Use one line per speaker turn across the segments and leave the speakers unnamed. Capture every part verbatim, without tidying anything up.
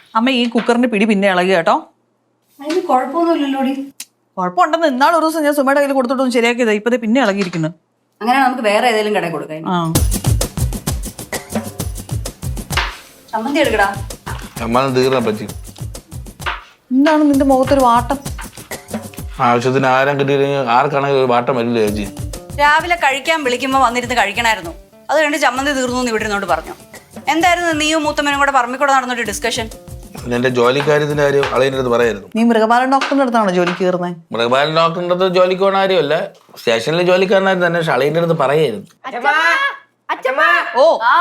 അമ്മ ഈ കുക്കറിന്റെ പിടി പിന്നെ ഇളകി കേട്ടോ.
അതിന് കുഴപ്പമൊന്നുമില്ലല്ലോടി.
കുഴപ്പമുണ്ടെന്ന് ഇന്നാൾ ഒരു ദിവസം ഞാൻ സുമയുടെ കയ്യിൽ കൊടുത്തിട്ടൊന്നും ശരിയാക്കിയതാ. ഇപ്പതേ പിന്നെ ഇളകിയിരിക്കുന്നു.
അങ്ങനെ നമുക്ക് വേറെ ഏതെങ്കിലും കടയിൽ കൊടുക്കാം.
ആ
ചമ്മന്തി എടുക്കടാ.
എന്താണ് നിന്റെ മുഖത്തൊരു വാട്ടം?
ആവശ്യത്തിന് ആരം കിട്ടിയില്ലെങ്കിൽ ആർക്കാണെങ്കിൽ ഒരു വാട്ടം വരില്ല ചേച്ചി.
രാവിലെ കഴിക്കാൻ വിളിക്കുമ്പോൾ വന്നിരുന്ന് കഴിക്കണമായിരുന്നു. അത് കണ്ട് ചമ്മന്തി തീർന്നു എന്ന് ഇവിടെ ഇരുന്നോണ്ട് പറഞ്ഞു. എന്തായിരുന്നു നീയും മൂത്തമ്മനും കൂടെ പറമ്പിക്കൂടെ നടന്നൊരു ഡിസ്കഷൻ?
എന്റെ ജോലിക്കാര്യത്തിന്റെ കാര്യം അളിയൻ്റെ അടുത്ത് പറയായിരുന്നു.
നീ മൃഗപാലൻ ഡോക്ടറിന്റെ അടുത്താണോ ജോലിക്ക് കയറുന്നത്?
മൃഗപാലൻ ഡോക്ടറിന്റെ അടുത്ത് ജോലിക്ക് പോകണ കാര്യമല്ല, സ്റ്റേഷനിലെ ജോലിക്കാരനായിരുന്നു തന്നെ. പക്ഷെ അളിയൻ്റെ അടുത്ത് പറയായിരുന്നു.
ഓ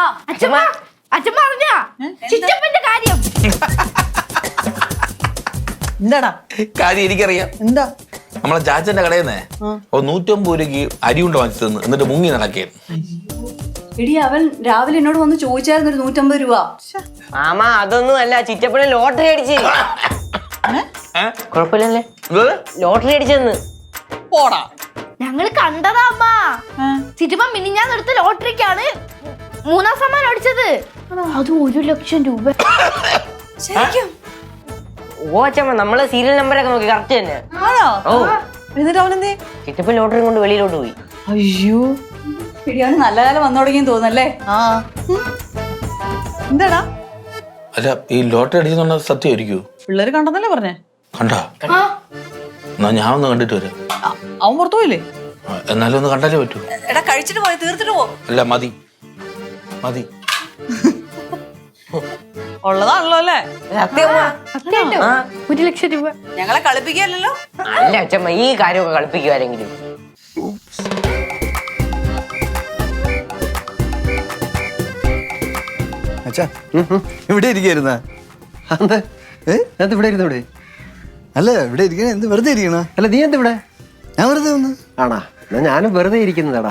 എന്താടാ
കാര്യം എനിക്കറിയാം.
എന്താ?
നമ്മളെ ചാച്ചന്റെ കടയിൽ നിന്നേ ഓ നൂറ്റമ്പത് രൂപയ്ക്ക് അരി കൊണ്ട് വാങ്ങിച്ചു തന്നു. എന്നിട്ട് മുങ്ങി നടക്കായിരുന്നു.
എടി അവൻ രാവിലെ എന്നോട് വന്ന് ചോദിച്ചായിരുന്നു ഒരു നൂറ്റമ്പത് രൂപ.
മാമ അതൊന്നും അല്ല, ചിറ്റപ്പനെ ലോട്ടറി അടിച്ച്. കുഴപ്പമില്ലല്ലേ, ലോട്ടറി അടിച്ചെന്ന്.
പോടാ.
ഞങ്ങള് കണ്ടതാ അമ്മ. ചിറ്റപ്പ മിനിഞ്ഞാന്ന് എടുത്ത ലോട്ടറിക്കാണ് മൂന്നാം സമ്മാനം അടിച്ചത്. അത് ഒരു ലക്ഷം രൂപ.
ശരിക്കും?
ഓ അച്ഛമ്മ, നമ്മളെ സീരിയൽ നമ്പറൊക്കെ നോക്കി കറക്റ്റ് തന്നെ. ഓ
എന്നിട്ട് അവനെന്തേ?
ചിറ്റപ്പൻ ലോട്ടറി കൊണ്ട് വെളിയിലോട്ട് പോയി.
അയ്യോ,
എടി അവന് നല്ല കാലം വന്നു തുടങ്ങിയെന്ന് തോന്നല്ലേ?
ആ എന്താടാ?
അല്ല, ഈ ലോട്ടറി അടിച്ചെന്നുണ്ട സത്യമായിരിക്കൂ?
പിള്ളേര് കണ്ടെന്നല്ലേ പറഞ്ഞേ?
കണ്ടാ? എന്നാ ഞാൻ ഒന്ന് കണ്ടിട്ട് വരാം.
അവൻ പുറത്തു പോയില്ലേ?
എന്നാലും ഒന്ന് കണ്ടാലേ പറ്റൂ.
എടാ കഴിച്ചിട്ട് പോയി, തീർത്തിട്ട് പോ.
അല്ല മതി മതി.
ഉള്ളതാണല്ലോ അല്ലേ?
ഒരു ലക്ഷം രൂപ.
ഞങ്ങളെ കളിപ്പിക്കല്ലോ.
അല്ല അച്ഛമ്മ, ഈ കാര്യമൊക്കെ കളിപ്പിക്കുവാരെങ്കിലും.
അച്ഛാ ഇവിടെ ഇരിക്കുന്ന ഇവിടെ ഇരുന്ന ഇവിടെ അല്ല ഇവിടെ ഇരിക്കണ എന്ത് വെറുതെ ഇരിക്കണ?
അല്ല നീ എന്ത് ഇവിടെ?
ഞാൻ വെറുതെ വന്ന്.
ആണാ? എന്നാ ഞാനും വെറുതെ ഇരിക്കുന്നതാടാ.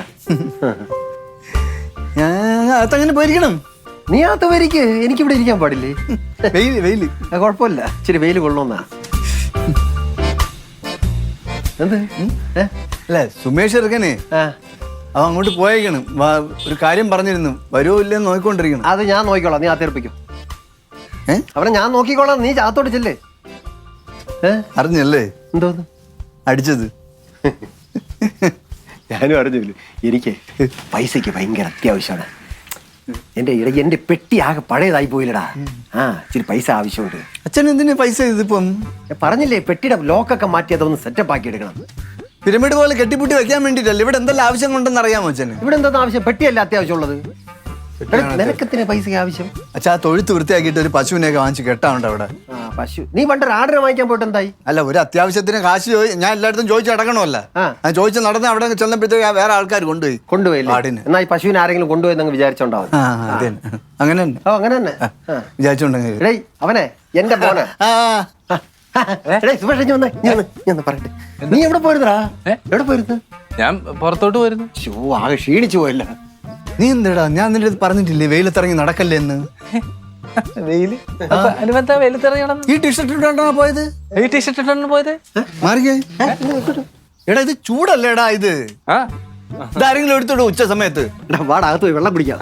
ഞാൻ അകത്തങ്ങനെ പോയിരിക്കണം.
നീ അകത്ത് വരിക്ക്, എനിക്കിവിടെ ഇരിക്കാൻ പാടില്ലേ?
വെയില് വെയില്
കുഴപ്പമില്ല, ഇച്ചിരി വെയിൽ കൊള്ളോന്നാ. എന്ത്?
അല്ല സുമേഷ് ഇറക്കനെ അവ അങ്ങോട്ട് പോയേക്കണം. ഒരു കാര്യം പറഞ്ഞിരുന്നു, വരുമോ ഇല്ലെന്ന് നോക്കിക്കൊണ്ടിരിക്കണം.
അത് ഞാൻ നോക്കിക്കോളാം, നീ അകത്തേർപ്പിക്കും.
ഏ
അവനെ ഞാൻ നോക്കിക്കോളാം, നീ ചാത്തോട്ട് ചെല്ലേ.
അറിഞ്ഞല്ലേ
എന്തോന്ന്
അടിച്ചത്?
ഞാനും അറിഞ്ഞില്ല. എനിക്ക് പൈസക്ക് ഭയങ്കര അത്യാവശ്യമാണ്. എന്റെ ഇടയ്ക്ക് എന്റെ പെട്ടി ആകെ പഴയതായി പോയില്ലടാ. ആ ഇച്ചിരി പൈസ ആവശ്യമുണ്ട്.
അച്ഛൻ എന്തിനാ പൈസ ഇതിപ്പം?
ഞാൻ പറഞ്ഞില്ലേ, പെട്ടിയുടെ ലോക്കൊക്കെ മാറ്റി അതൊന്ന് സെറ്റപ്പ് ആക്കി എടുക്കണം.
പിരമിഡ് പോലെ കെട്ടിപ്പൂട്ടി വെക്കാൻ വേണ്ടിട്ടല്ലേ? ഇവിടെ എന്തെല്ലാം ആവശ്യം കൊണ്ടെന്ന് അറിയാമോ അച്ഛന്?
ഇവിടെ എന്താ ആവശ്യം? പെട്ടിയല്ല അത്യാവശ്യമുള്ളത്. നിനക്കെത്തിന് പൈസ ആവശ്യം?
അച്ഛാ തൊഴുത്ത് വൃത്തിയാക്കിയിട്ട് ഒരു പശുവിനെയൊക്കെ വാങ്ങിച്ച് കെട്ടാറുണ്ട് അവിടെ.
ആ പശു നീ പണ്ടൊരു ആർഡർ വാങ്ങിക്കാൻ പോയിട്ട് എന്തായി?
അല്ല, ഒരു അത്യാവശ്യത്തിന് കാശ് ഞാൻ എല്ലായിടത്തും ചോദിച്ചു അടക്കണമല്ല. ഞാൻ ചോദിച്ചു നടന്ന് അവിടെ ചെന്നപ്പോഴത്തേക്ക് വേറെ ആൾക്കാർ കൊണ്ടുപോയി.
കൊണ്ടുപോയി എന്നാ ഈ പശുവിനെ ആരെങ്കിലും കൊണ്ടുപോയി നിങ്ങൾ വിചാരിച്ചോണ്ടാവും.
അങ്ങനെ തന്നെ.
ഓ അങ്ങനെ തന്നെ
വിചാരിച്ചോണ്ടെങ്കിൽ
എടേ അവനെ എന്റെ മോനെ. സുമേഷ് വന്നേ, ഞാൻ പറയട്ടെ. നീ എവിടെ പോയിരുന്നടാ? എവിടെ പോയിരുന്നു?
ഞാൻ പുറത്തോട്ട് പോയിരുന്നു.
ഷോ ആകെ ക്ഷീണിച്ചു പോയല്ല.
നീ എന്തെടാ, ഞാൻ നിന്റെ അടുത്ത് പറഞ്ഞിട്ടില്ലേ വെയിലത്തിറങ്ങി നടക്കല്ലേ എന്ന്?
വെയില് വെയിലത്തിറങ്ങണം.
ഈ ടീഷർട്ട് ഇട്ടാണോ പോയത്?
ഈ ടീഷർട്ട് ഇട്ടാണ് പോയത്.
മാറിക്കേ. എടാ ഇത് ചൂടല്ലേടാ ഇത്. ഇതാരെങ്കിലും എടുത്തോടൂ ഉച്ച സമയത്ത്.
വാടകത്ത് പോയി വെള്ളം കുടിക്കാം.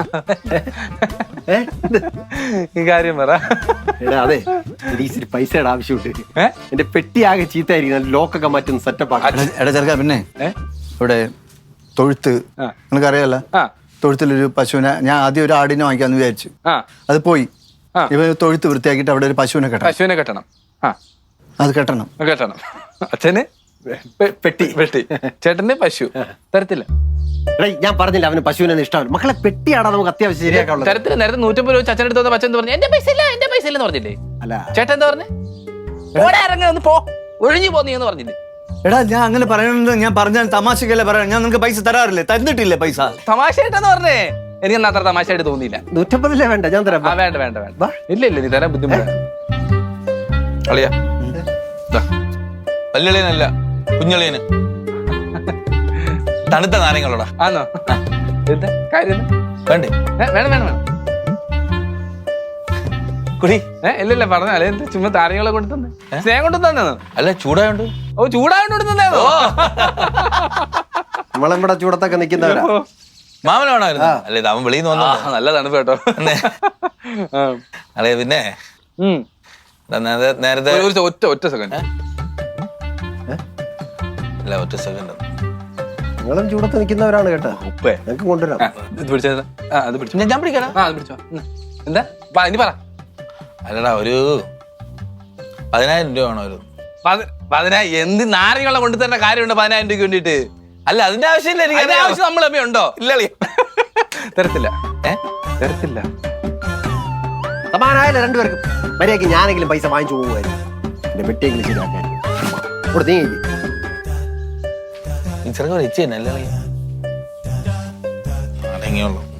ഈ കാര്യം പറ.
എടാ അതെ, ഇച്ചിരി പൈസയുടെ ആവശ്യമുണ്ട്. എന്റെ പെട്ടി ആകെ ചീത്തായിരിക്കും, ലോക്കൊക്കെ മാറ്റുന്ന സെറ്റപ്പ് ആക്കാം.
എടാ ചെറുക്കാ, പിന്നെ ഇവിടെ തൊഴുത്ത് നിനക്കറിയാലോ, തൊഴുത്തിലൊരു പശുവിനെ ഞാൻ ആദ്യം ഒരു ആടിനെ വാങ്ങിക്കാന്ന് വിചാരിച്ചു. അത് പോയി. ഇവ തൊഴുത്ത് വൃത്തിയാക്കിയിട്ട് അവിടെ ഒരു പശുവിനെ കെട്ടണം.
പശുവിനെ കെട്ടണം.
അത് കെട്ടണം
കെട്ടണം. അച്ഛന് പെട്ടി പെട്ടി, ചേട്ടന് പശു. തരത്തില്ല.
ഞാൻ പറഞ്ഞില്ല അവന് പശുവിനെ ഇഷ്ടമാണ്. മക്കളെ പെട്ടിയാടാ നമുക്ക് അത്യാവശ്യം ശരിയാക്കാനുള്ളത്.
തരത്തില്ല. നേരത്തെ നൂറ്റമ്പത് രൂപ അച്ഛൻ എടുത്ത് പച്ച പറഞ്ഞു എന്റെ പൈസ ഇല്ല എന്റെ പൈസ ഇല്ലെന്ന് പറഞ്ഞില്ലേ?
അല്ല
ചേട്ടൻ എന്താ പറഞ്ഞേ? ഇറങ്ങി ഒന്ന് പോ, ഒഴിഞ്ഞു പോന്നീന്ന് പറഞ്ഞില്ലേ?
എടാ ഞാൻ അങ്ങനെ പറയണത് ഞാൻ പറഞ്ഞാൽ തമാശക്കല്ലേ പറയാം. ഞാൻ നിനക്ക് പൈസ തരാറില്ലേ? തന്നിട്ടില്ലേ പൈസ?
തമാശയായിട്ടെന്ന് പറഞ്ഞേ. എനിക്ക് അത്ര തമാശയായിട്ട് തോന്നിയില്ല.
നൂറ്റമ്പതില്ലേ വേണ്ട, ഞാൻ തരാം.
വേണ്ട വേണ്ട വേണ്ട. ഇല്ല ഇല്ല, നീ തരാൻ ബുദ്ധിമുട്ടാണ്. അളിയാ വല്യളിയനല്ല, കുഞ്ഞളിയന്. തണുത്ത നാരങ്ങളോടാ. ആണോ? എന്താ കാര്യം? വേണ്ടേ? വേണം വേണം വേണം. കുടി. ഏഹ് ഇല്ല ഇല്ല പറഞ്ഞ അല്ലെ, എന്ത് ചുമ്മാ താരങ്ങളെ കൊണ്ട് തന്നെ സ്നേഹം കൊണ്ട് തന്നോ? അല്ല ചൂടായോണ്ട്. ഓ ചൂടായോണ്ട് തന്നോ?
നമ്മളിവിടെ ചൂടത്തൊക്കെ നിൽക്കുന്നവരാ.
മാമനാണായിരുന്നു. അല്ലേ അവൻ വെളിയിൽ നിന്ന് വന്നോ? നല്ല തണുപ്പ് കേട്ടോ. അല്ലേ പിന്നെ
നേരത്തെ നേരത്തെ
ഒരു- ഒരു ഒറ്റ ഒറ്റ സെക്കൻഡ്
അല്ല ഒറ്റ സെക്കൻഡ്
നിങ്ങളും ചൂടത്ത് നിൽക്കുന്നവരാണ് കേട്ടോ.
ഉപ്പേ
ഞങ്ങൾക്ക് കൊണ്ടുവരാം.
ഇത് പിടിച്ചത് ആ അത് പിടിച്ചു
ഞാൻ ഞാൻ പിടിക്കടാ.
ആ അത് പിടിച്ചോ ഇന്ന്. എന്താ വാ, ഇനി പറ
അല്ലടാ ഒരു പതിനായിരം രൂപ വേണോ ഒരു
പതി- പതിനായിരം എന്ത് നാരങ്ങളെ കൊണ്ട് തരുന്ന കാര്യമുണ്ട് പതിനായിരം രൂപയ്ക്ക് വേണ്ടിട്ട്
അല്ല അതിന്റെ ആവശ്യമില്ല എനിക്ക്
അതിന്റെ ആവശ്യം നമ്മൾ തമ്മിൽ ഉണ്ടോ
ഇല്ല കളി.
തരത്തില്ല
ഏ
തരത്തില്ല
സമാനായാലും രണ്ടുപേർക്കും മര്യാദയ്ക്ക് ഞാനെങ്കിലും പൈസ വാങ്ങിച്ചു പോകുമായിരുന്നു. എന്റെ പെട്ടിയെങ്കിലും ശരിയാക്കാൻ ഇവിടെ നീ
ഈ ചെറുക്കൻ വെച്ച് തന്നെ അല്ലേ കളി അടങ്ങിയുള്ളൂ